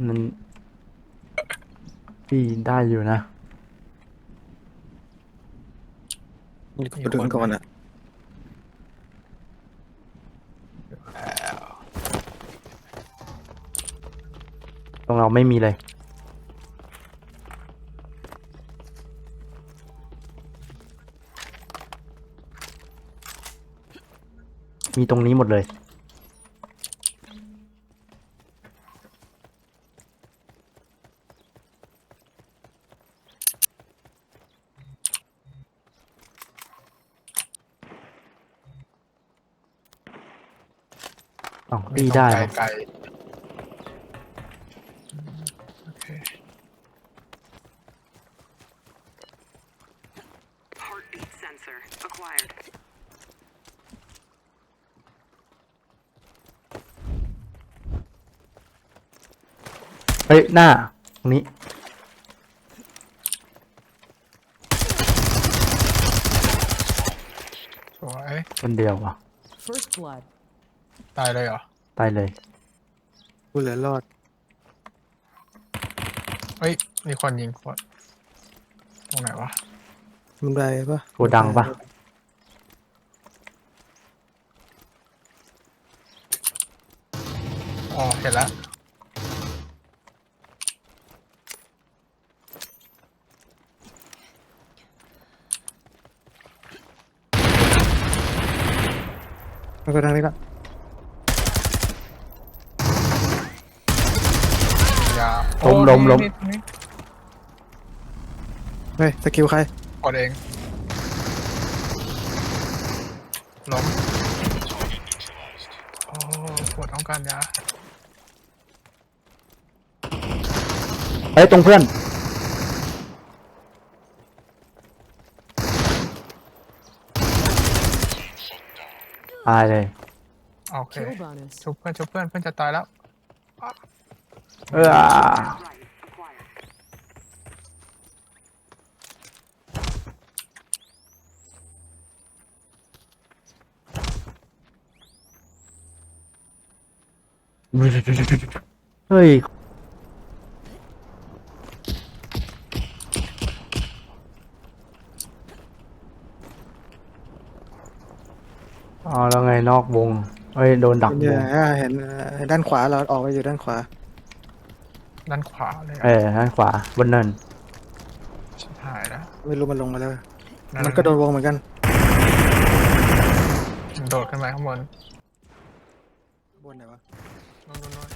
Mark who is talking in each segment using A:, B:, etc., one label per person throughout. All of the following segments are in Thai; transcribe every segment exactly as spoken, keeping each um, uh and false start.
A: มันพี่ได้อยู่นะ
B: นี่ก็ไปดึงก่อนอ่ะ
A: ตรงเราไม่มีเลยมีตรงนี้หมดเลยอ๋อพี่ได้
C: ไกล
A: ปะ
C: ไกลโอเค
D: Heartbeat sensor acquired.
A: เฮ้ยหน้าตรงนี้
C: สวย
A: คนเดียววะ
E: First blood.
C: ตายเลยเหรอ
A: ตายเลย
B: กูเหลือรอด
C: เฮ้ยมีคนยิงคนตรงไหนวะ
B: มันได้ปะ
A: โกดังปะ
C: อ๋อเห็นแล้ว
B: มันก็ดังนี้ละ
C: ยา
A: ล้ม
C: โอ้
A: ล้มล้ม
C: นี่นี่นี่
B: เฮ้ยสกิลใคร
C: กดเองล้มโอ้ปวดต้องการยา
A: เฮ้ยตรงเพื่อนตายเลย
C: โอเค
E: Kill bonus.
C: ชุบเพื่อนชุบเพื่อนเพื่อนจะตายแล้ว
A: เออ
D: Right acquired.
A: เฮ้ยอ๋อแล้วไงนอกวงเฮ้ยโดนดักว
B: เนี่ย
A: ง
B: เห็นเห็นด้านขวาเราออกไปอยู่ด้านขวา
C: ด้านขวาเลย
A: เอ
C: อะ
A: อด้านขวาบนเนิน
C: ชิบหายแล้ว
B: ไม่รู้มันลงมาแล้ว
C: นั่
B: มันก็โดนวงเหมือนกัน
C: มันโดดขึ้นไปข้างบน
B: บนไหนวะ
C: นู่นนู่นนู่น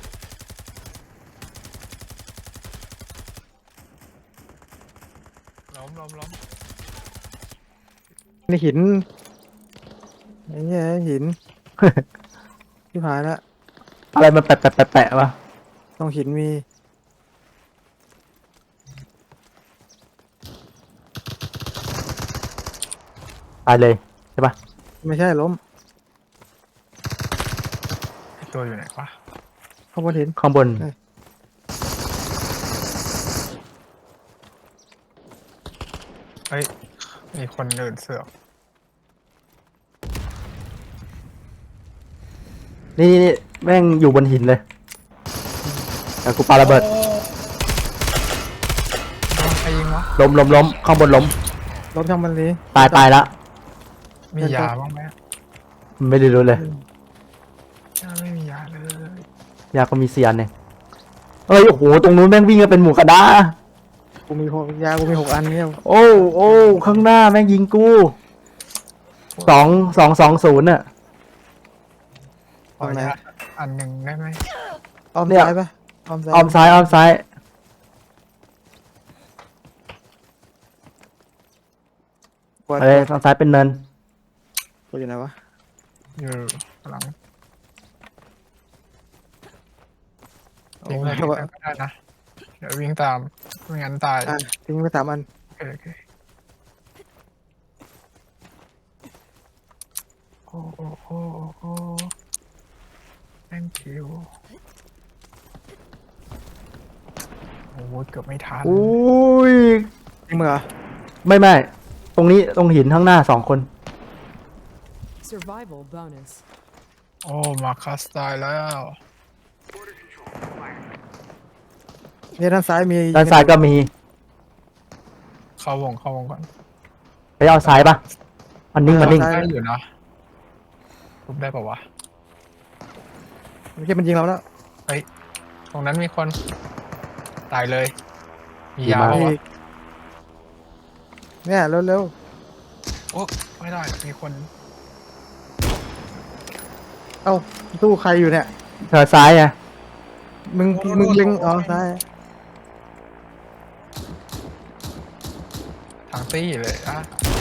C: ล้มล้มล้ม
B: นี่หินไอ้เนี่ยหิน ที่ผายละ
A: อะไรมันแปะแปะแปะแปะวะ
B: ตรงหินมี
A: ตายเลยใช่ปะ
B: ไม่ใช่ล้ม
C: ไอ้ตัวอยู่ไหนวะ
B: ข้างบนหิน
A: ข้างบน
B: เอ้ย
C: เฮ้ยมีคนเดินเสือก
A: นี่นี่นี่แม่งอยู่บนหินเลยแต่กูปาระเบิด
C: โดนใครยิงวะ
A: ล้มล้มล้มข้างบนล้ม
B: ล้มช่างมันนี้
A: ตายตายละ
C: มียาบ้างไหม
A: ไม่ได้รู้เลย
C: ยาไม่มียาเลย
A: ยาก็มีเซียนเนี่ยเอ้ยโอ้โหตรงนู้นแม่งวิ่งกันเป็นหมูกระดา
B: กูมีหกยากูมีหกอันเนี่ย
A: โอ้โอ้ข้างหน้าแม่งยิงกูสองสองสองศูนย์อะ
C: ขอยาอันหนึ่งได้ไหม
B: อ้อม
A: เนี่ย
B: ซ้ายปะอ้อมซ้าย
A: อ้อมซ้ายอ้อมซ้าย
B: กด
A: เอ้ยทางซ้ายเป็นเนิน
B: กดอยู่ไหนวะ
C: อยู่หลัง
B: โอ้
C: ทิ้ง
B: ย
C: เลยทิ้งเลยก็ได้นะเดี๋ยววิ่งตามไม่งั้นตาย
B: อ่ะทิ้งไปสามอัน
C: โอเคโอเคโอ้โอ้โอ้โอ้ thank you โอ้โหเกือบไม่ทัน
A: อุ้ย
B: ทิ้งมือเหรอ
A: ไม่ไม่ตรงนี้ตรงหินข้างหน้าสองคน
E: Survival bonus.
C: โอ้มาคัสตายแล้ว
D: Border control acquired.
B: เนี่ยด้านซ้ายมี
A: ด้านซ้ายก็มี
C: เข้าวงเข้าวงก่อน
A: ไปเอาซ้ายปะมันนิ่งมันนิ่ง
C: ได้อยู่นะทุบได้ป่าวะ
B: ไม่ใช่มันยิงเราแล้ว
C: ตรงนั้นมีคนตายเลย มี
A: ดี
C: ยาม
A: าก
C: ปะวะ
B: อีกเนี่ยเร็ว
C: โอ้ไม่ได้มีคน
B: ๆเอ้าตู้ใครอยู่เนี่ย
A: เธอซ้ายไง
B: มึงมึงเล็งอ๋อซ้าย
C: ทางตี้เลยอ่ะ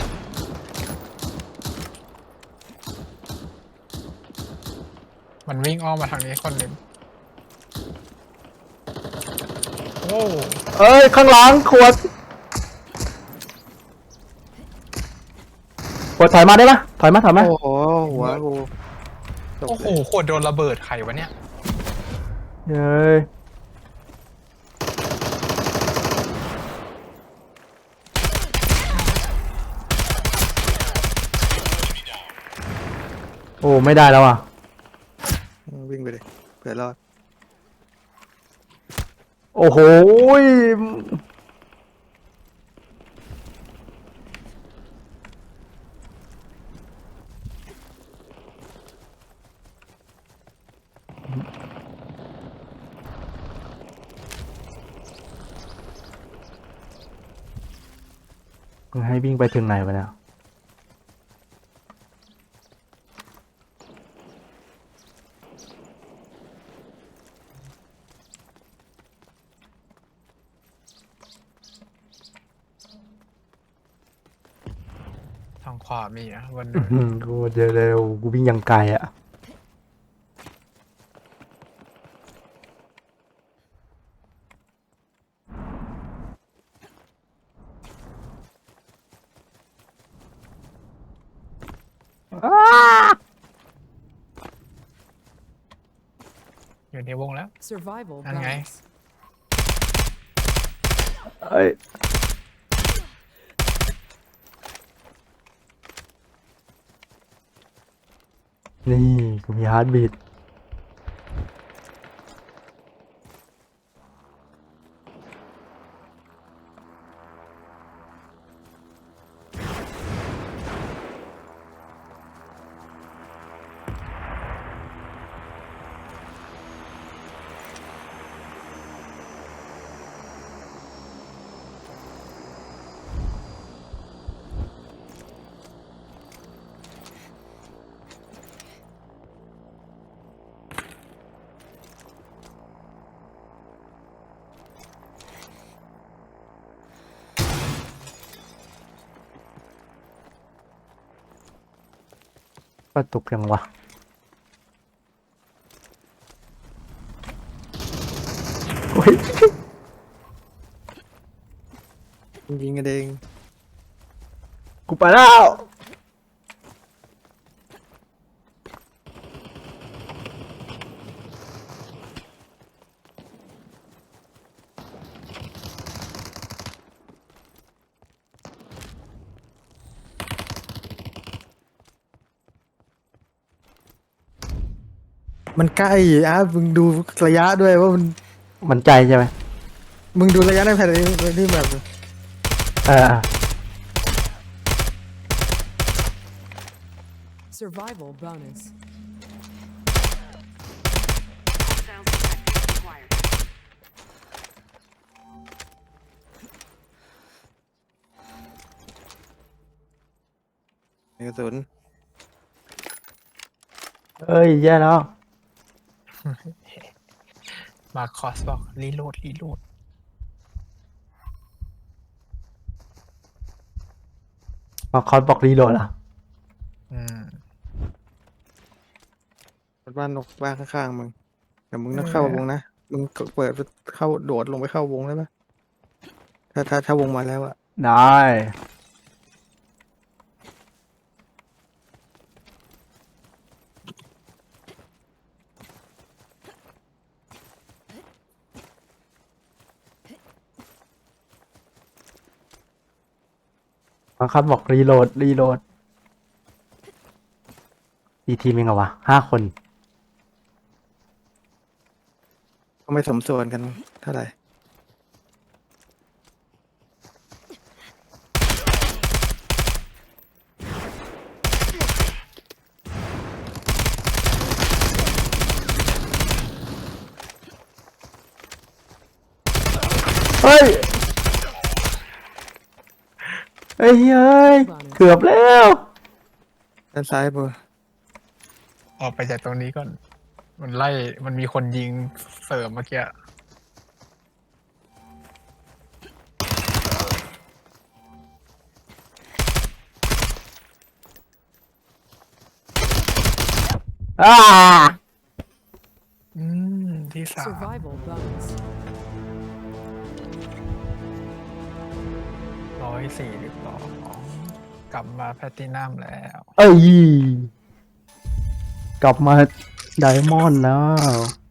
C: มันวิ่งอ้อมมาทางนี้คนหนึ่งโอ้
A: เอ้ยข้างหลังขวดขวดถอยมาได้ปะถอยมาถอยมา
B: โอ้โหหัวกูตก
C: โอ้โห
B: เลย
C: ขวดโดนระเบิดใครวะเนี่ย
A: เฮ้ยโอ้ไม่ได้แล้วอ่ะ
B: วิ่งไปเลยเผื่อรอด
A: โอ้โหยมึงให้วิ่งไปถึงไหนวะเนี่ย
C: ทางขวามีอ่ะวัน
A: อื้อหือกูเดี๋ยวเร็วกูวิ่งยังไกลอ่ะ
C: อยู่ในวงแล้ว
D: Survival
C: Ăn ngay.
D: bonus.
A: เอ้ยนี่กูมีฮาร์ดบีทกระตุกยังวะโอ้ย
B: ยิงกันเอง
A: กูไปแล้ว
B: มันใกล้อ่ะมึงดูระยะด้วยว่ามัน
A: มันใจใช่ไหม
B: มึงดูระยะในแผนที่ที่แบบ
A: เออ
D: Survival bonus. Sounds acquired.
B: กระสุน
A: เอ้ยแย่แล้ว
C: มาคอสบอกรีโหลดรีโหลด
A: มาคอสบอกรีโหลดอ่ะ
C: อืม
B: บ้านนกบ้านข้างๆมึงแต่มึงต้องเข้าวงนะมึงเปิดเข้าโดดลงไปเข้าวงได้ปะถ้าถ้าถ้าวงมาแล้วอะ
A: ได้มาคอสบอกรีโหลดรีโหลดอีทีมยังไงวะห้าคน
B: ก็ไม่สมส่วนกันเท่าไหร่
A: เฮ้ยเฮ้ยเฮ้ยเกือบแล้ว
B: ด้านซ้ายเบอร์
C: ออกไปจากตรงนี้ก่อน มันไล่มันมีคนยิงเสริมเมื่อกี้
A: อ่า
C: อืม ที่สาม
D: Survival bonus.
C: ร้อยสี่สิบสองกลับมาแพลตตินัมแล้ว
A: เอ้ยกลับมาไดมอนด์แล้ว